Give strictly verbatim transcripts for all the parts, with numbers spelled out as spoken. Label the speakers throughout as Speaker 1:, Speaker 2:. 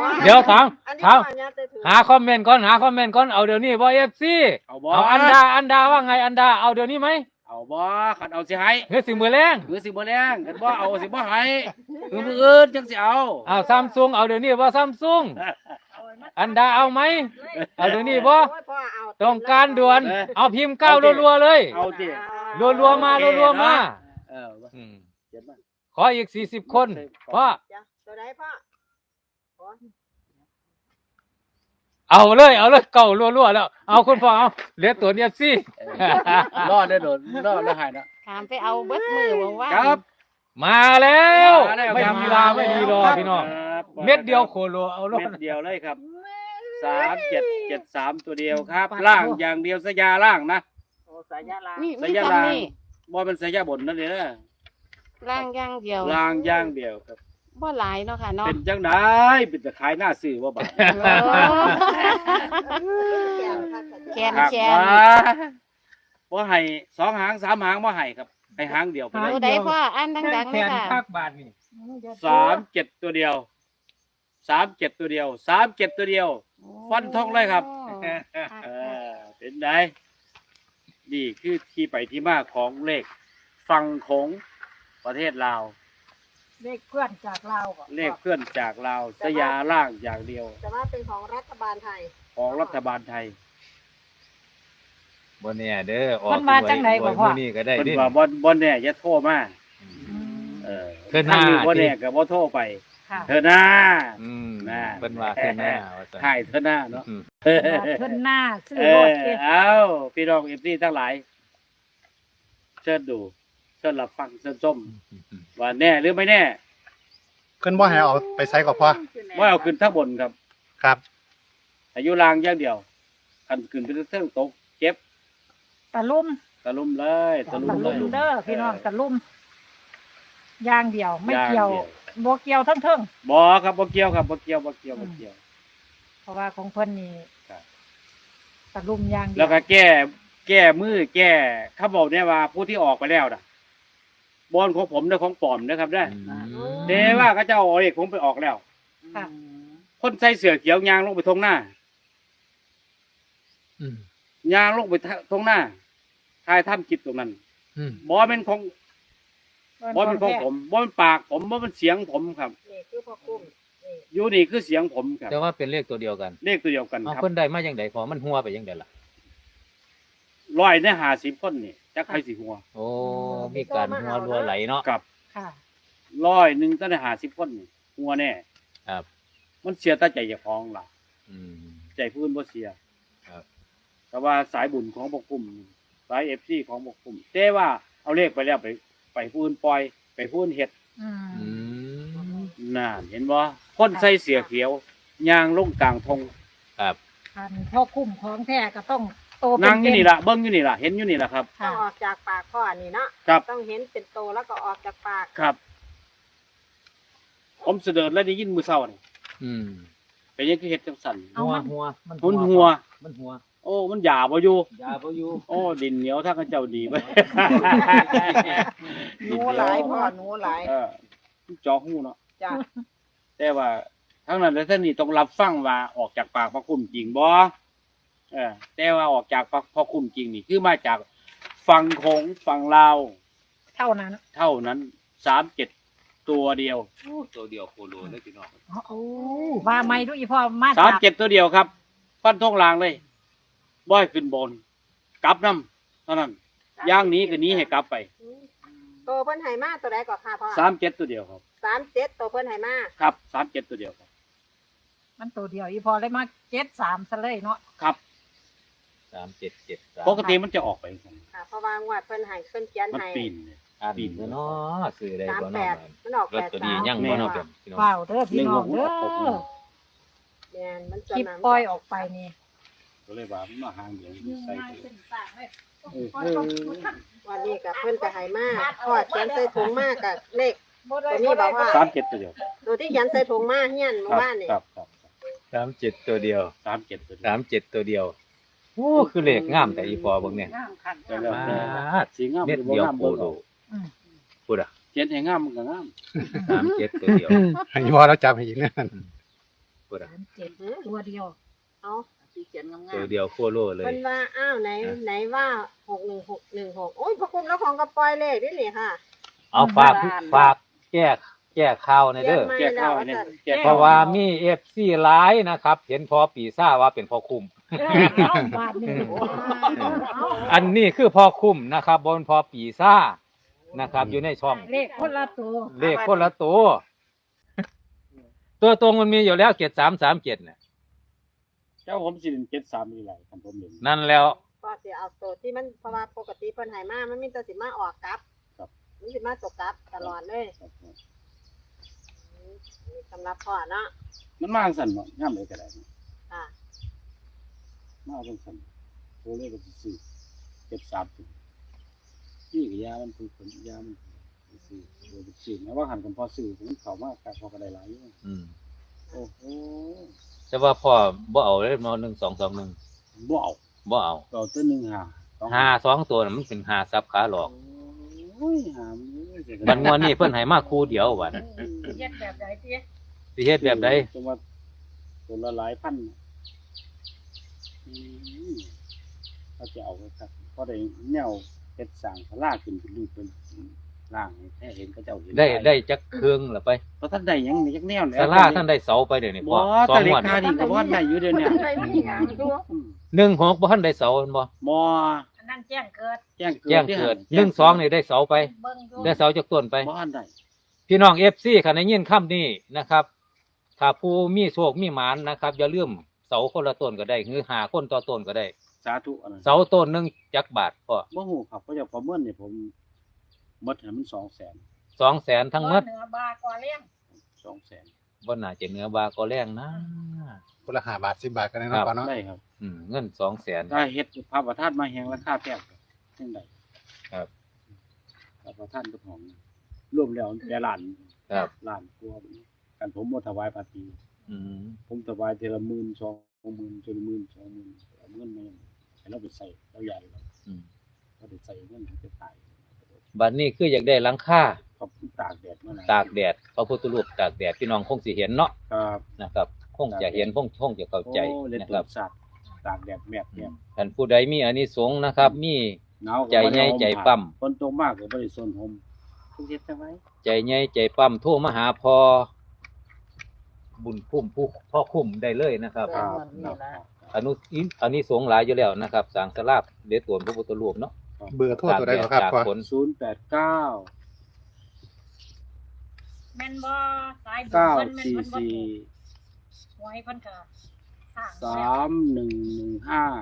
Speaker 1: เดี๋ยวถามถามหาคอมเมนต์ก่อนหาคอมเมนต์ก่อนเอาเดี๋ยวนี้บ่เอฟซีเอาอันดาอันดาว่าไงอันดาเอาเดี๋ยวนี้ไหม
Speaker 2: เอาบ่ขันเอาสิให้
Speaker 1: เฮ้ยสิมือแรง
Speaker 2: หรือสิบ่แรงขันบ่เอาสิบ่ให้คือมืออื่นจังสิเอา
Speaker 1: เอาซัมซุงเอาเดี๋ยวนี้บ่ซัมซุงอันดาเอาไหมเอาเดี๋ยวนี้บ่ต้องการด่วนเอาพิมพ์เก้ารัวๆเลย
Speaker 2: เอาสิ
Speaker 1: รัวๆมารัวๆมา
Speaker 2: เออ
Speaker 1: ขออีกสี่สิบคนพ่อ
Speaker 3: ตัวไหนพ่อ
Speaker 1: เอาเลยเอาเลยเก่ารัวๆแล้วเอาคุณพ่อเอาเหลือตัวเนี้ยสิ
Speaker 2: รอดได้โดนรอดแล้วหายนะ
Speaker 3: ถามไปเอาเบิดมือบอกว่า
Speaker 2: ครับ
Speaker 1: มาแล้วไม่มีลาไม่มีรอพี่น้องเม็ดเดียวโคโลเอาล
Speaker 2: เม็ดเดียวเลยครับสามเจ็ดเจ็ดสามตัวเดียวครับล่างอย่างเดียวสยาล่างนะ
Speaker 3: สายาล่าง
Speaker 2: สยาล่างบ่เป็นสยาบนนั่นเองนะ
Speaker 3: ล่างย่างเดียว
Speaker 2: ล่างย่างเดียวครับ
Speaker 3: บ่หลายเนาะค่ะเนาะ
Speaker 2: เป็นจังไดเป็นจะขายหน้าซื้อว่าบาท
Speaker 3: แขนแขน
Speaker 2: บ่ให้สองหางสามหางบ่ให้ครับให้หางเดียวไปเลย
Speaker 3: ตัวใดพ่ออันดังๆเลยค่ะ
Speaker 2: สามเจ็ดตัวเดียวสามเจ็ดตัวเดียวสามเจ็ดตัวเดียวฟันทองเลยครับเออเป็นไงนี่คือที่ไปที่มาของเลขฝั่งของประเทศลาว
Speaker 3: เลขเพื่อนจากลาว
Speaker 2: เลขเพื่อนจากลาวสยาล่างอย่างเดียว
Speaker 3: แต่ว่าเป็นของรัฐบาลไทย
Speaker 2: ของรัฐบาลไทย
Speaker 1: บนเนี่ยเด้ออ
Speaker 3: อกมาจังไหนบ่พ่อ
Speaker 1: นี่ก็ได้
Speaker 2: ดิว่าบนบนเนี่ยอย่าโทรมาเออ
Speaker 1: เธอหน้า
Speaker 2: บนเนี่ยก็บ่โทรไปเธอหน้า
Speaker 1: อืมน่าเป็นว่าเธอหน้า
Speaker 2: ถ่ายเธอหน้าเนาะ
Speaker 3: เธอหน้าซื้อรถ
Speaker 2: เอ้าพี่น้อง เอฟ ซี ทั้งหลายเชิญดูเชิญรับฟังเชิญชมว่าแน่หรือไม่แน่
Speaker 4: ขึ้นบ่ให้เอาไปใส่กับพ่อ
Speaker 2: ว่าเอาขึ้นทั้งบนครับ
Speaker 4: ครับ
Speaker 2: อายุรางอย่างเดียวคันขึ้นไปเรื่องตกเจ็บ
Speaker 3: ตะลุ่ม
Speaker 2: ตะลุ่มเลย
Speaker 3: ตะลุ่มเด้อพี่น้องตะลุ่มย่างเดียวไม่เกี่ยวบ่เกี่ยวทั้งเทิง
Speaker 2: บ่ครับบ่เกี่ยวครับบ่เกี่ยวบ่เกี่ยวบ่เกี่ยว
Speaker 3: เพราะว่าของเพิ่นนี่ตะลุ่มย่างเดียว
Speaker 2: แล้วก็แก้แก้มือแก้เขาบอกเนี่ยว่าผู้ที่ออกไปแล้วน่ะบอลของผมเด้อของปลอมนะครับเด้อเด้ว่าเขาจะเอาเอกผมไปออกแล้วคนใส่เสื้อเขียวยางลงไปทงหน้ายางลงไปทงหน้าทายถ้ำจิตตรงนั้นบอลเป็นของบอลเป็นของผมบอลเป็นปากผมบอลเป็นเสียงผมครับ
Speaker 3: นี่คือพ่อกุ้ง
Speaker 2: อยู่นี่คือเสียงผมครับ
Speaker 1: แต่ว่าเป็นเลขตัวเดียวกัน
Speaker 2: เลขตัวเดียวกันครับ
Speaker 1: คนใดมาอย่างใดพอมันหัวไปอย่างใดล่ะ
Speaker 2: ร้อยในห้าสิบคนนี่จักใครสิหัว
Speaker 1: โอ้มีการหัวรัวไหลเนาะ
Speaker 2: กับร้อยหนึ่งตั้งแต่ห้าสิบคนนี่หัวแน่
Speaker 1: ครับ
Speaker 2: มันเสียตั้งใจอย่าพ้องล่ะใจพื้นบ่เสีย
Speaker 1: ครับ
Speaker 2: แต่ว่าสายบุญของบกกลุ่มสายเอฟซีของบกกลุ่มแต่ว่าเอาเลขไปแล้วไปไปพื้นปล่อยไปพื้นเห็ดน่าเห็นบ่คนใส่เสื้อเขียวยางลงกลางทง
Speaker 1: ครับ
Speaker 3: อันพ่อคุ้มของแท้ก็ต้องโตเป็น
Speaker 2: นั่งอยู่นี่ล่ะเบิ้งอยู่นี่ล่ะเห็นอยู่นี่ล่ะครับ
Speaker 3: ต้องออกจากปากพ่อนี่เนาะต้องเห็นเป็นโตแล้วก็ออกจากปาก
Speaker 2: ครับผมเสด็จแล้วได้ยินมือเศร้านี่เป็นยังคือเห็ดจังสัน
Speaker 1: หัวหัว
Speaker 2: มันหัว
Speaker 1: มันหัว
Speaker 2: โอ้มันหยาบ่อยู่
Speaker 1: หยาบ่อยู่
Speaker 2: โอ้ดินเหนียวถ้าเขาเจ้าดีไป
Speaker 3: หนูหลายพ่อหนูหลาย
Speaker 2: เออจอหูเนาะจ้ะแต่ว่าทั้งนั้นและท่านนี่ต้องรับฟังว่าออกจากปากพระคุณจริงบ่เออแต่ว่าออกจากพระคุณจริงนี่คือมาจากฝั่งของฝั่งลาว
Speaker 3: เท่านั้น
Speaker 2: เท่านั้นสามเจ็ดตัวเดียว
Speaker 1: ตัวเดียวโคโลได้พี่น้อง
Speaker 3: โอ้ว่าไม่ดูอีพ่อมา
Speaker 2: สามเจ็ดตัวเดียวครับฟันทงลางเลยบ่อยขึ้นบนกลับน้ำเท่านั้นย่างนี้กับนี้ให้กลับไป
Speaker 3: ตัวเพิ่นไหมาตัวใดก่อนค่ะพ่อ
Speaker 2: สามเจ็ดตัวเดียวครับ
Speaker 3: สามเจ็ดตัวเพิ่นไหมา
Speaker 2: ครับสามเจ็ดตัวเดียวครับ
Speaker 3: มันตัวเดียวอีพอเลยมาเจ็ดสามซะเลยเนาะ
Speaker 2: ครับ
Speaker 1: สามเจ็ดเจ็ด
Speaker 2: ปกติมันจะออกไป
Speaker 3: ค่ะเพราะว่างวดเพิ่นให้เพิ่นเขียนให้
Speaker 2: มันปีน
Speaker 1: ปีนเนาะสื่อได้
Speaker 3: บ่เนาะมันออกแปดสาม
Speaker 1: ยังบ่เนาะเพี่น้อง
Speaker 3: ว้าวเด้อพี่น้องเด้อแม่นมันจะนำปล่อยออกไปนี่
Speaker 2: ก็เลยว่ามันมาหางเดียวใส่
Speaker 3: วันนี้กับเพิ่นก็ให้มาทอดเขียนใส่ถุงมากับเลขตัวนี้บอกว่า
Speaker 2: สามเจ็ดตัวเดียว
Speaker 3: ตัวที่เขียนใส่ถุงมาเฮียนหมู่บ้านนี่
Speaker 2: ครับครับ
Speaker 1: สามเจ็ดตัวเดียว
Speaker 2: สามเจ็ดตัว
Speaker 1: สามเจ็ดตัวเดียวโอ้คือเลขงามแต่อีพอเบิ่งเนี่ย
Speaker 2: สีงาม
Speaker 1: เม็ดเดียวโคโลพูดอ่ะ
Speaker 2: เจ็ดให้งามมันก็งาม
Speaker 1: สามเจ็ดตัวเดียว
Speaker 4: ให้พอเราจับให้อีกนั่น
Speaker 1: พูพุ่นน่ะ
Speaker 3: สามเจ็ดตัวเดียว
Speaker 5: เอา
Speaker 6: ที่เขียนงาม
Speaker 1: ตัวเดียวโคโลเลย
Speaker 5: มันว่าอ้าวไหน
Speaker 1: อ่ะ
Speaker 5: ไหนว่าหกหนึ่งหกหนึ่งหกโอ้ยพระคุณแล้วของกระปอยเลขด้วยนี่ค่ะ
Speaker 1: เอาฝากฝากแก้แก้ข่าวในอยเด้อ
Speaker 5: ไม่
Speaker 2: แก้
Speaker 5: แล้
Speaker 2: ข้าว
Speaker 5: ว
Speaker 2: เนี่ย
Speaker 5: สั่น
Speaker 2: แก้
Speaker 1: เพ
Speaker 2: ข้าว
Speaker 1: ราะว่ามี เอฟ ซี หลายนะครับ เห็นพอปีซ่าว่าเป็นพอคุ้ม
Speaker 3: เออเอาบาทหนึ่งเอา
Speaker 1: อันนี้คือพอคุ้มนะครับบนพอปีซ่านะครับ อยู่ในช่อง
Speaker 3: เลขคนละตัว
Speaker 1: เลขคนละตัว ตัวตรงมันมีอยู่แล้วเจ็ดสามสามเจ็ดเนี่ย
Speaker 2: เจ้าผมสิเป็นเจ็ดสามนี่แหละคันผมเห็น
Speaker 1: นั่นแล้ว
Speaker 5: ก็สิเอาตัวที่มันเพราะว่าปกติเพิ่นให้มามันมีแต่สิมาออกกลับ
Speaker 2: ครับ
Speaker 5: มันสิมาตกกลับตลอดเลย
Speaker 2: ครับ
Speaker 5: สำหรับพ่อเนาะ
Speaker 2: มันมาสั่นเนาะย่ำเลยก็ได้เนาะ
Speaker 5: ค่ะ
Speaker 2: มาจังสั่นโทรเลยก็สิซื้อเจ็ดสามถึงนี่ก็ยามันคือผลยามันซื้อโดยเป็นซื้อนะว่าหันกันพอซื้อผมเขามากการพอกันได้หลายอยู่
Speaker 1: อืม
Speaker 2: โอ้โห
Speaker 1: แต่ว่าพ่อบ่เอาเลยมาหนึ่งสองสองหนึ่ง
Speaker 2: บ่เอา
Speaker 1: บ่เอา
Speaker 2: เอาตัวหนึ่งหาสอง
Speaker 1: หาสองตัวน่ะมันเป็นหาซับขาหลอก
Speaker 2: โอ้ยหามเลยเสีย
Speaker 1: บันงวนนี้เพิ่นให้มาคู่เดียววัน
Speaker 3: เฮ็ดแบบใดเตี้ย
Speaker 1: สิเฮ็ดแบบใด
Speaker 2: จังว่าตัวละหลายพันอืมเขาจะเอาไว้ครับเพราะได้แนวเฮ็ดสร้างศาลาขึ้นเป็นรูปเป็นร่างให้แท้เห็นเขาเจ้าเห็น
Speaker 1: ได้ได้จักเครื่องละไป
Speaker 2: เพราะท่านได้หยังนี่จักแนวแล้ว
Speaker 1: ศาลาท่านได้เสาไปเดี๋ยวนี้
Speaker 2: บ่
Speaker 1: พ่อสอ
Speaker 2: แต่
Speaker 1: ง
Speaker 2: เล
Speaker 1: งวด
Speaker 2: ขานี่ก็บ่ได้อยู่เดี๋ยวนี้
Speaker 5: อะไรนี่หยังดู
Speaker 2: อืม
Speaker 1: หนึ่งหกบ่ทันได้เสาแม่นบ่
Speaker 2: บ่
Speaker 3: อันนั้นแจ้งเกิด
Speaker 2: แจ้งเกิด
Speaker 1: แจ้งเกิด
Speaker 2: ที่
Speaker 1: หนึ่งสองนี่ได้เสาไป
Speaker 3: เบิ่งดู
Speaker 1: ได้เสาจากต้นไป
Speaker 2: บ่ทันได้
Speaker 1: พี่น้อง เอฟ ซี คันได้ยินคำนี้นะครับ ถ้าผู้มีโชคมีหมานนะครับอย่าลืมเสาคนละต้นก็ได้หรือหาคนต่อต้นก็ได้
Speaker 2: สาธุอันนั้น
Speaker 1: เสาต้นหนึงจักบาทพ่อ
Speaker 2: บ่ฮู้ครับเพราะจากประเมินนี่ผมหมดให้มันสองแสน
Speaker 1: สองแสนทั้งหมด
Speaker 3: เหนือบากว่าเลี้ยง
Speaker 2: สองแสน
Speaker 1: บ่น่าจะเหนือบาก็แรงนะ
Speaker 4: คนละห้าบาทสิบบาทกันนะ
Speaker 1: ครั
Speaker 4: เนาะ
Speaker 1: บ
Speaker 4: พ่อเนาะ
Speaker 2: ได้ครับ
Speaker 1: อืมเงินสองแสน
Speaker 2: ถ้าเฮ็ดพระประธานมาแหงราคาแพงจังได
Speaker 1: ครับ
Speaker 2: พระประธานกับของรวมแล้วแต่ล้าน
Speaker 1: ครับ
Speaker 2: ล้านกว่ากันผมบ่ถวายภาษี
Speaker 1: อืม
Speaker 2: ผมถวายทีละหมื่นสองหมื่นจนหมื่นสองหมื่นเอาเงินมาให้เราไปใส่เราใหญ่เรา
Speaker 1: อืม
Speaker 2: เราไปใส่เงินให้ไปตาย
Speaker 1: บัดนี้คืออยากได้หลังคา
Speaker 2: ขอบคุณตากแดดมานะ
Speaker 1: ตากแดดพระพุทธรูปตากแดดพี่น้องคงสิเห็นเนาะ
Speaker 2: ครับ
Speaker 1: นะครับ คงจะเห็นคงคงจะเข้าใจ
Speaker 2: โอ้เล่น
Speaker 1: นะ
Speaker 2: ตั
Speaker 1: คว รับ
Speaker 2: สัตว์ตากแดดแมบเนี่ย
Speaker 1: ท่านผู้ใดมีอานิสงส์นะครับ มี
Speaker 2: หนาวก็
Speaker 1: ใจ
Speaker 2: บ่ได้
Speaker 1: ใหญ่
Speaker 2: ห่ม
Speaker 1: ใจ
Speaker 2: ผ้า
Speaker 1: ปั้ม
Speaker 2: ฝนตกมากก็บ่ได้สนห่มทุกเฮ็ดจังไว้
Speaker 1: ใจใหญ่ใจปั้มโทรมาหาพอบุญคุ้มผู้พ่อคุ้มได้เลยนะครับ
Speaker 2: ครับ
Speaker 1: อนุอินอนิสงส์หลายอยู่แล้วนะครับสร้างสลาบเดชตวนพระพุทธรูปเนาะ
Speaker 4: เบอร์โทรตัวใดก็ครับ
Speaker 1: จาก
Speaker 4: พ่อ
Speaker 1: ฝน
Speaker 2: ศูนย์แปดเก้า
Speaker 3: แม่นบ่สายบุญ
Speaker 2: เก้า
Speaker 3: เพิ่นแม่น
Speaker 2: สี่
Speaker 3: เพิ่นบ่
Speaker 2: สี่
Speaker 3: ถูกหวยเพิ่นก็สร้าง
Speaker 2: สามหนึ่งหนึ่งห้า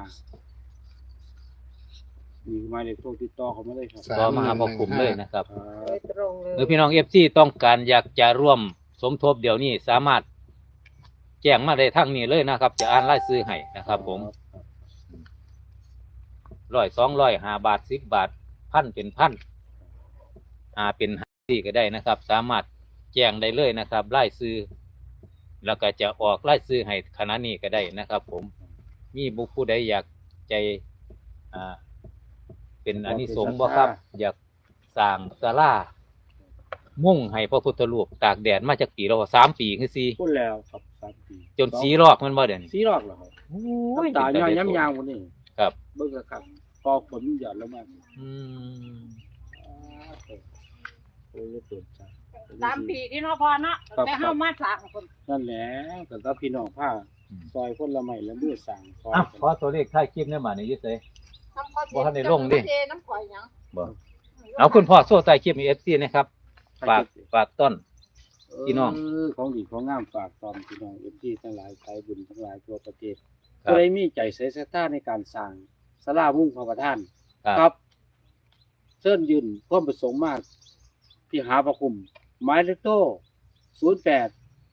Speaker 2: มีหมายเลขโทรติดต่อเขามาเลยครับ
Speaker 4: สาม
Speaker 1: ก็มาหาพ่อคุ้มเลยนะครับ
Speaker 2: ครั
Speaker 5: โด
Speaker 2: บ
Speaker 5: ยตรงเลย
Speaker 1: หรือพี่น้องเอฟซีต้องการอยากจะร่วมสมทบเดี๋ยวนี้สามารถแจ้งมาได้ทั้งนี้เลยนะครับ จะอ่านรายชื่อให้นะครับ ผมร้อยสองร้อยห้าบาทสิบบาทพันเป็นพันอ่าเป็นห้าสี่ก็ได้นะครับ สามารถแจ้งได้เลยนะครับรายชื่อแล้วก็จะออกรายชื่อให้คณะนี้ก็ได้นะครับ ผมมีบุคผู้ใดอยากใจอ่าเป็นอานิสงส์บ่ครับ อยากสร้างศาลามุ่งให้พระพุทธรูปตากแดดมาจากปีเราสามปีคือสี่
Speaker 2: พูดแล้วครับสามปี
Speaker 1: จนสีลอกมันบ่เด่น
Speaker 2: สีรอกเหรอครับ
Speaker 1: โอ้ย
Speaker 2: น้ำตาย่อยย้ำยางวันนี้
Speaker 1: ครับ
Speaker 2: เบิ่งกระครับพอฝนหยอดลงมา
Speaker 1: อืม
Speaker 2: โอ้ยเปิดจ้า
Speaker 3: สามปีที่เนาะพอเนาะแต่เฮามาสร้างคน
Speaker 2: นั่นแหละแต่ก็พี่น้องผ้าซอยคนละไม้ละมือสั่งซอย
Speaker 1: อ่ะขอตัวเลขท้ายคลิปเนี่ยมาในยึดเลย
Speaker 5: น้ำข้าว
Speaker 1: บ่ทันได้ลงดิ
Speaker 5: เทน้ำข่อยหยัง
Speaker 1: บ่เอาคุณพ่อโซ่ใต้คลิปมีเอฟซีนะครับฝากฝากต้น พี่น้อง
Speaker 2: เของดีของงามฝากตอนพี่น้องเอฟซีทั้งหลายสายบุญทั้งหลายทั่วประเทศ
Speaker 1: ครับ
Speaker 2: ก็ได้มีใจใส่ศรัทธาในการสร้างศาลามุ่งพระประธาน
Speaker 1: ครับ
Speaker 2: ครับเชิญยืนความประสงค์มาก ที่หาประคุมหมายเลขโต้ศูนย์แปด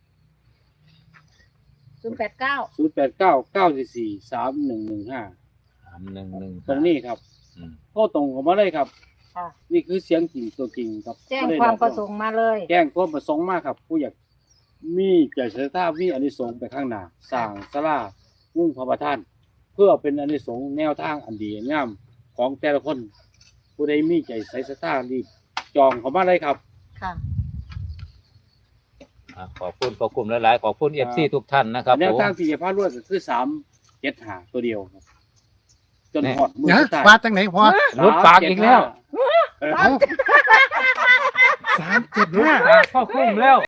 Speaker 3: ศูนย์แปดเก้า
Speaker 2: ศูนย์แปดเก้าเก้าสี่สี่สามหนึ่งหนึ่งห้า
Speaker 1: สามหนึ่งหนึ่ง
Speaker 2: ตรงนี้ครับ
Speaker 1: อืม
Speaker 2: โทรตรงเข้ามาเลยครับ
Speaker 3: ค่ะ
Speaker 2: นี่คือเสียงจริงตัวจริงครับ
Speaker 3: แจ้ง
Speaker 2: บ่ได้
Speaker 3: ความ
Speaker 2: หล
Speaker 3: ป
Speaker 2: อก
Speaker 3: ระสงค์มาเลย
Speaker 2: แจ้งความประสงค์มากครับ ผู้อยากมีใจศรัทธามีอานิสงส์ไปข้างหน้าสร้างศาลามุ่งพระประธาน เพื่อเป็นอานิสงส์แนวทางอันดีงามของแต่ละคน ผู้ใดมีใจใส่ศรัทธารีบจองเข้ามาเลยครับ
Speaker 3: ค่ะ
Speaker 1: อ่าขอบคุณขอบคุณหลายๆขอบคุณเอฟซีทุกท่านนะครับ
Speaker 2: แนว
Speaker 1: ผม
Speaker 2: ทางที่จะพาดรวดก็คือสามเจ็ดหาตัวเดียวครับจน
Speaker 1: แน่
Speaker 2: หอดมือ
Speaker 4: นะ
Speaker 2: สุดท้าย
Speaker 4: ฟาดจังไหนพอ
Speaker 1: หลุดปากอีกแล้ว
Speaker 2: เออ
Speaker 4: เอาสามเจ็ด
Speaker 1: หลุด
Speaker 4: ห้า
Speaker 1: ปากเข้าคุ้มแล้ว